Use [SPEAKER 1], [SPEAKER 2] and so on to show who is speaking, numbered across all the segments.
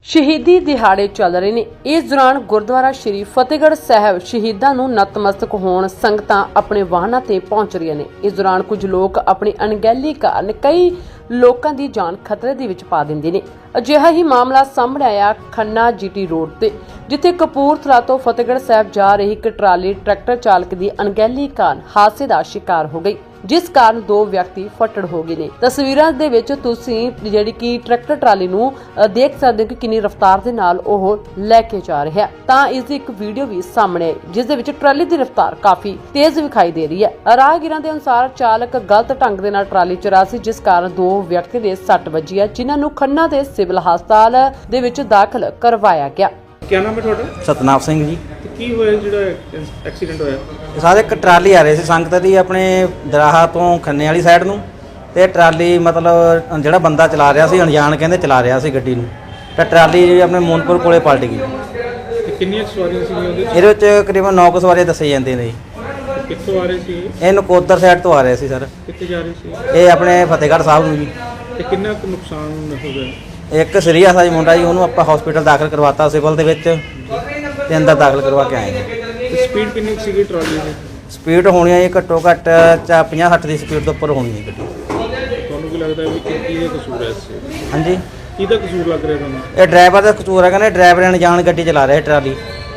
[SPEAKER 1] ਸ਼ਹੀਦੀ ਦਿਹਾੜੇ ਚੱਲ ਰਹੇ ਨੇ। ਇਸ ਦੌਰਾਨ ਗੁਰਦੁਆਰਾ ਸ਼੍ਰੀ ਫਤਿਹਗੜ੍ਹ ਸਾਹਿਬ ਸ਼ਹੀਦਾਂ ਨੂੰ ਨਤਮਸਤਕ ਹੋਣ ਸੰਗਤਾਂ ਆਪਣੇ ਵਾਹਨਾਂ ਤੇ ਪਹੁੰਚ ਰਹੀਆਂ ਨੇ। ਇਸ ਦੌਰਾਨ ਕੁਝ ਲੋਕ ਆਪਣੀ ਅਣਗਹਿਲੀ ਕਾਰਨ ਕਈ ਲੋਕਾਂ ਦੀ ਜਾਨ ਖਤਰੇ ਦੇ ਵਿੱਚ ਪਾ ਦਿੰਦੇ ਨੇ। ਅਜਿਹਾ ਹੀ ਮਾਮਲਾ ਸਾਹਮਣੇ ਆਇਆ ਖੰਨਾ ਜੀਟੀ ਰੋਡ ਤੇ, ਜਿੱਥੇ ਕਪੂਰਥਲਾ ਤੋਂ ਫਤਿਹਗੜ੍ਹ ਸਾਹਿਬ ਜਾ ਰਹੀ ਇੱਕ ਟਰਾਲੀ ਟਰੈਕਟਰ ਚਾਲਕ ਦੀ ਅਣਗਹਿਲੀ ਕਾਰਨ ਹਾਦਸੇ ਦਾ ਸ਼ਿਕਾਰ ਹੋ ਗਈ, ਜਿਸ ਕਾਰਨ ਦੋ ਵਿਅਕਤੀ ਫੱਟੜ ਹੋ ਗਏ ਨੇ। ਤਸਵੀਰਾਂ ਦੇ ਵਿੱਚ ਤੁਸੀਂ ਜਿਹੜੀ ਕਿ ਟਰੈਕਟਰ ਟਰਾਲੀ ਨੂੰ ਦੇਖ ਸਕਦੇ ਹੋ ਕਿ ਕਿੰਨੀ ਰਫ਼ਤਾਰ ਦੇ ਨਾਲ ਉਹ ਲੈ ਕੇ ਜਾ ਰਿਹਾ ਤਾਂ ਇਸ ਦੀ ਇੱਕ ਵੀਡੀਓ ਵੀ ਸਾਹਮਣੇ ਆਈ, ਜਿਸ ਦੇ ਵਿੱਚ ਟਰਾਲੀ ਦੀ ਰਫ਼ਤਾਰ ਕਾਫੀ ਤੇਜ਼ ਵਿਖਾਈ ਦੇ ਰਹੀ ਹੈ। ਰਾਹਗੀਰਾਂ ਦੇ ਅਨੁਸਾਰ ਚਾਲਕ ਗਲਤ ਢੰਗ ਦੇ ਨਾਲ ਟਰਾਲੀ ਚਲਾ ਸੀ, ਜਿਸ ਕਾਰਨ ਦੋ ਵਿਅਕਤੀ ਦੇ ਸੱਟ ਵੱਜੀ ਹੈ, ਜਿਨ੍ਹਾਂ ਨੂੰ ਖੰਨਾ ਦੇ ਸਿਵਲ ਹਸਪਤਾਲ ਦੇ ਵਿੱਚ ਦਾਖਲ ਕਰਵਾਇਆ ਗਿਆ।
[SPEAKER 2] ਕੀ ਨਾਮ ਹੈ ਤੁਹਾਡਾ?
[SPEAKER 3] ਸਤਨਾਮ ਸਿੰਘ ਜੀ।
[SPEAKER 2] ਕੀ ਹੋਇਆ ਜਿਹੜਾ ਐਕਸੀਡੈਂਟ ਹੋਇਆ?
[SPEAKER 3] ਸਾਰੇ ਇੱਕ ਟਰਾਲੀ ਆ ਰਹੀ ਸੀ ਸੰਗਤ ਦੀ ਆਪਣੇ ਦਰਾਹਾ ਤੋਂ ਖੰਨੇ ਵਾਲੀ ਸਾਈਡ ਨੂੰ, ਤੇ ਟਰਾਲੀ ਮਤਲਬ ਜਿਹੜਾ ਬੰਦਾ ਚਲਾ ਰਿਹਾ ਸੀ ਅਣਜਾਣ ਕਹਿੰਦੇ ਚਲਾ ਰਿਹਾ ਸੀ ਗੱਡੀ ਨੂੰ, ਤਾਂ ਟਰਾਲੀ ਆਪਣੇ ਮੋਨਪੁਰ ਕੋਲੇ ਪਲਟ ਗਈ।
[SPEAKER 2] ਤੇ ਕਿੰਨੀਆਂ ਸਵਾਰੀਆਂ ਸੀਗੀਆਂ ਉਹਦੇ ਵਿੱਚ?
[SPEAKER 3] ਇਹਦੇ ਵਿੱਚ ਤਕਰੀਬਨ 9 ਸਵਾਰੀਆਂ ਦੱਸੇ ਜਾਂਦੇ ਨੇ ਜੀ।
[SPEAKER 2] ਕਿੱਥੋਂ ਆ ਰਹੇ ਸੀ
[SPEAKER 3] ਇਹ ਨਕੋਦਰ ਸਾਈਡ ਤੋਂ ਆ ਰਹੇ ਸੀ ਸਰ।
[SPEAKER 2] ਕਿੱਥੇ ਜਾ ਰਹੇ ਸੀ
[SPEAKER 3] ਇਹ ਆਪਣੇ ਫਤਿਹਗੜ੍ਹ ਸਾਹਿਬ ਨੂੰ ਜੀ।
[SPEAKER 2] ਤੇ ਕਿੰਨਾ ਕੁ ਨੁਕਸਾਨ ਹੋ ਗਿਆ?
[SPEAKER 3] ਇੱਕ ਸੀਰੀਅਸ ਆ ਜੀ ਮੁੰਡਾ ਜੀ, ਉਹਨੂੰ ਆਪਾਂ ਹਸਪੀਟਲ ਦਾਖਲ ਕਰਵਾਤਾ ਸਿਵਲ ਦੇ ਵਿੱਚ, ਤੇ ਅੰਦਰ ਦਾਖਲ ਕਰਵਾ ਕੇ ਆਏ ਜੀ।
[SPEAKER 2] ਸਪੀਡ ਕਿੰਨੀ ਸੀਗੀ ਟਰਾਲੀ ਦੀ?
[SPEAKER 3] ਸਪੀਡ ਹੋਣੀ ਹੈ ਜੀ ਘੱਟੋ ਘੱਟ 50-60 ਦੀ ਸਪੀਡ ਤੋਂ ਉੱਪਰ ਹੋਣੀ ਹੈ ਗੱਡੀ।
[SPEAKER 2] ਤੁਹਾਨੂੰ ਕੀ ਲੱਗਦਾ ਵੀ ਕਿਹਦਾ ਕਸੂਰ ਹੈ ਇਸ 'ਚ?
[SPEAKER 3] ਹਾਂਜੀ,
[SPEAKER 2] ਕਿਹਦਾ ਕਸੂਰ ਲੱਗ ਰਿਹਾ ਤੁਹਾਨੂੰ?
[SPEAKER 3] ਇਹ ਡਰਾਈਵਰ ਦਾ ਕਸੂਰ ਹੈ, ਕਹਿੰਦੇ ਡਰਾਈਵਰ ਅਣਜਾਣ ਗੱਡੀ ਚਲਾ ਰਿਹਾ ਟਰਾਲੀ।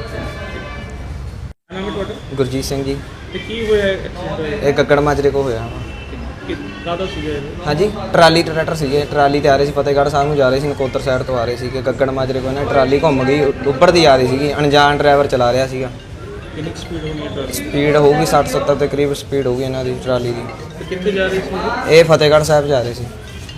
[SPEAKER 2] ਨਾਮ ਹੈ ਤੁਹਾਡਾ?
[SPEAKER 4] ਗੁਰਜੀਤ ਸਿੰਘ ਜੀ।
[SPEAKER 2] ਤੇ ਕੀ ਹੋਇਆ ਐਕਸੀਡੈਂਟ ਹੋਇਆ?
[SPEAKER 4] ਇਹ ਗੱਗੜ ਮਾਜਰੇ ਕੋ ਹੋਇਆ।
[SPEAKER 2] ਕਾਹਦਾ ਸੀਗਾ ਇਹ?
[SPEAKER 4] ਹਾਂਜੀ, ਟਰਾਲੀ ਟਰੈਕਟਰ ਸੀਗੇ, ਟਰਾਲੀ ਤੇ ਆ ਰਹੇ ਸੀ ਫਤਿਹਗੜ੍ਹ ਸਾਹਿਬ ਨੂੰ ਜਾ ਰਹੇ ਸੀ, ਨਕੋਦਰ ਸਾਈਡ ਤੋਂ ਆ ਰਹੇ ਸੀ ਕਿ ਗੱਗੜ ਮਾਜਰੇ ਕੋ ਨਾ ਟਰਾਲੀ ਘੁੰਮ ਗਈ, ਉੱਪਰ ਦੀ ਆ ਰਹੀ ਸੀਗੀ, ਅਣਜਾਣ ਡਰਾਈਵਰ ਚਲਾ ਰਿਹਾ ਸੀਗਾ।
[SPEAKER 2] ਕਿੰਨੀ ਸਪੀਡ ਹੋਣੀ ਹੈ ਟਰਾਲੀ?
[SPEAKER 4] ਸਪੀਡ ਹੋਊਗੀ 60-70 ਦੇ ਕਰੀਬ ਸਪੀਡ ਹੋਊਗੀ ਇਹਨਾਂ ਦੀ ਟਰਾਲੀ ਦੀ।
[SPEAKER 2] ਤੇ ਕਿੱਥੇ ਜਾ ਰਹੀ ਸੀ?
[SPEAKER 4] ਇਹ ਫਤਿਹਗੜ੍ਹ ਸਾਹਿਬ ਜਾ ਰਹੇ ਸੀ।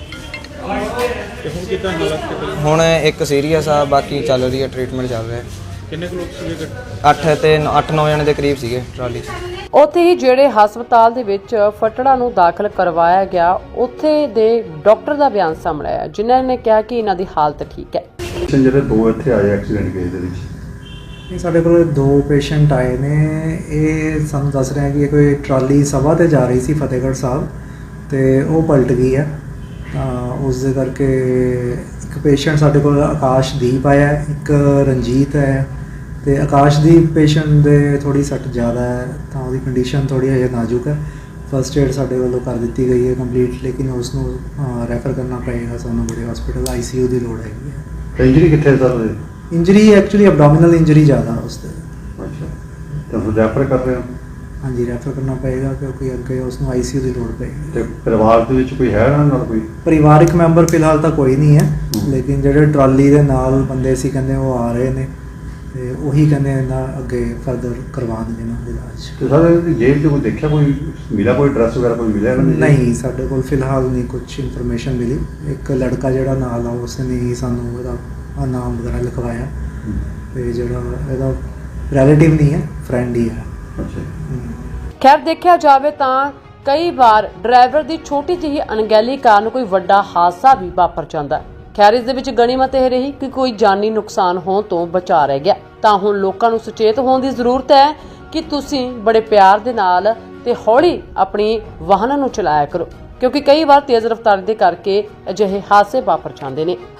[SPEAKER 2] ਤੇ ਹੁਣ ਕਿੱਦਾਂ ਹਾਲਤ ਕਿੱਦਾਂ?
[SPEAKER 4] ਹੁਣ ਇੱਕ ਸੀਰੀਅਸ ਆ, ਬਾਕੀ ਚੱਲ ਰਹੀ ਹੈ, ਟ੍ਰੀਟਮੈਂਟ ਚੱਲ ਰਿਹਾ।
[SPEAKER 2] ਕਿੰਨੇ ਕੁ ਲੋਕ ਸੀਗੇ?
[SPEAKER 4] 8-9 ਜਣੇ ਦੇ ਕਰੀਬ ਸੀਗੇ ਟਰਾਲੀ 'ਚ।
[SPEAKER 1] ਉੱਥੇ ਹੀ ਜਿਹੜੇ ਹਸਪਤਾਲ ਦੇ ਵਿੱਚ ਫੱਟੜਾਂ ਨੂੰ ਦਾਖਲ ਕਰਵਾਇਆ ਗਿਆ, ਉੱਥੇ ਦੇ ਡਾਕਟਰ ਦਾ ਬਿਆਨ ਸਾਹਮਣੇ ਆਇਆ, ਜਿਨ੍ਹਾਂ ਨੇ ਕਿਹਾ ਕਿ ਇਹਨਾਂ ਦੀ ਹਾਲਤ ਠੀਕ ਹੈ।
[SPEAKER 5] ਜਿਹੜੇ ਦੋ ਇੱਥੇ ਆਏ ਐਕਸੀਡੈਂਟ ਕੇਸ ਦੇ ਵਿੱਚ,
[SPEAKER 6] ਇਹ ਸਾਡੇ ਕੋਲ ਦੋ ਪੇਸ਼ੈਂਟ ਆਏ ਨੇ। ਇਹ ਸਾਨੂੰ ਦੱਸ ਰਹੇ ਕਿ ਕੋਈ ਟਰਾਲੀ ਸਭਾ ਤੇ ਜਾ ਰਹੀ ਸੀ ਫਤਿਹਗੜ੍ਹ ਸਾਹਿਬ, ਤੇ ਉਹ ਪਲਟ ਗਈ ਹੈ। ਤਾਂ ਉਸ ਦੇ ਕਰਕੇ ਇੱਕ ਪੇਸ਼ੈਂਟ ਸਾਡੇ ਕੋਲ ਆਕਾਸ਼ਦੀਪ ਆਇਆ, ਇੱਕ ਰਣਜੀਤ ਹੈ। ਤੇ ਆਕਾਸ਼ਦੀਪ ਪੇਸ਼ੈਂਟ ਦੇ ਥੋੜੀ ਸੱਟ ਜ਼ਿਆਦਾ ਹੈ, ਤਾਂ ਉਹਦੀ ਕੰਡੀਸ਼ਨ ਥੋੜੀ ਹਜੇ ਨਾਜ਼ੁਕ ਹੈ। ਫਸਟ ਏਡ ਸਾਡੇ ਵੱਲੋਂ ਕਰ ਦਿੱਤੀ ਗਈ ਹੈ ਕੰਪਲੀਟ, ਲੇਕਿਨ ਉਸ ਨੂੰ ਰੈਫਰ ਕਰਨਾ ਪਏਗਾ ਸਾਨੂੰ ਬੜੇ ਹਸਪੀਟਲ, ICU ਦੀ ਲੋੜ ਹੈਗੀ ਹੈ।
[SPEAKER 5] ਇੰਜਰੀ ਕਿੱਥੇ sir?
[SPEAKER 6] Injury actually abdominal injury ਜ਼ਿਆਦਾ ਉਸ 'ਤੇ।
[SPEAKER 5] ਅੱਛਾ, ਤਾਂ ਫਿਰ ਰੈਫਰ ਕਰ ਰਹੇ ਹੋ?
[SPEAKER 6] ਹਾਂਜੀ, ਰੈਫਰ ਕਰਨਾ ਪਏਗਾ ਕਿਉਂਕਿ ਅੱਗੇ ਉਸ ਨੂੰ ICU ਦੀ ਲੋੜ ਪਏਗੀ।
[SPEAKER 5] ਤੇ ਪਰਿਵਾਰ ਦੇ ਵਿੱਚ ਕੋਈ ਹੈ ਇਹਨਾਂ ਨਾਲ? ਕੋਈ
[SPEAKER 6] ਪਰਿਵਾਰਿਕ ਮੈਂਬਰ ਫਿਲਹਾਲ ਤਾਂ ਕੋਈ ਨਹੀਂ ਹੈ, ਲੇਕਿਨ ਜਿਹੜੇ ਟਰਾਲੀ ਦੇ ਨਾਲ ਬੰਦੇ ਸੀ ਕਹਿੰਦੇ ਉਹ ਆ ਰਹੇ ਨੇ, ਤੇ ਉਹੀ ਕਹਿੰਦੇ ਇਹਨਾਂ ਅੱਗੇ ਫਰਦਰ ਕਰਵਾ ਦੇਣਾ ਇਹਨਾਂ ਦੇ ਇਲਾਜ।
[SPEAKER 5] ਤੇ ਸਰ ਜੇਲ੍ਹ 'ਚ ਕੋਈ ਦੇਖਿਆ, ਕੋਈ ਮਿਲਿਆ, ਕੋਈ ਐਡਰੈਸ ਵਗੈਰਾ ਕੋਈ ਮਿਲਿਆ ਇਹਨਾਂ ਦੇ?
[SPEAKER 6] ਨਹੀਂ, ਸਾਡੇ ਕੋਲ ਫਿਲਹਾਲ ਨਹੀਂ ਕੁਝ ਇਨਫੋਰਮੇਸ਼ਨ ਮਿਲੀ। ਇੱਕ ਲੜਕਾ ਜਿਹੜਾ ਨਾਲ ਆ ਉਸ ਨੇ ਹੀ ਸਾਨੂੰ ਇਹਦਾ ਨਾਮ ਵਗੈਰਾ ਲਿਖਵਾਇਆ, ਤੇ ਜਿਹੜਾ ਇਹਦਾ ਰਿਲੇਟਿਵ ਨਹੀਂ ਹੈ, ਫਰੈਂਡ ਹੀ ਹੈ।
[SPEAKER 5] ਅੱਛਾ।
[SPEAKER 1] ਖੈਰ, ਦੇਖਿਆ ਜਾਵੇ ਤਾਂ ਕਈ ਵਾਰ ਡਰਾਈਵਰ ਦੀ ਛੋਟੀ ਜਿਹੀ ਅਣਗਹਿਲੀ ਕਾਰਨ ਕੋਈ ਵੱਡਾ ਹਾਦਸਾ ਵੀ ਵਾਪਰ ਜਾਂਦਾ। ਖੈਰ, ਇਸ ਦੇ ਵਿੱਚ ਗਣੀਮਤ ਇਹ ਰਹੀ ਕਿ ਕੋਈ ਜਾਨੀ ਨੁਕਸਾਨ ਹੋਣ ਤੋਂ ਬਚਾ ਰਹਿ ਗਿਆ। ਤਾਂ ਹੁਣ ਲੋਕਾਂ ਨੂੰ ਸੁਚੇਤ ਹੋਣ ਦੀ ਜ਼ਰੂਰਤ ਹੈ ਕਿ ਤੁਸੀਂ ਬੜੇ ਪਿਆਰ ਦੇ ਨਾਲ ਤੇ ਹੌਲੀ ਆਪਣੀ ਵਾਹਨਾਂ ਨੂੰ ਚਲਾਇਆ ਕਰੋ, ਕਿਉਂਕਿ ਕਈ ਵਾਰ ਤੇਜ਼ ਰਫ਼ਤਾਰ ਦੇ ਕਰਕੇ ਅਜਿਹੇ ਹਾਦਸੇ ਵਾਪਰ ਜਾਂਦੇ ਨੇ।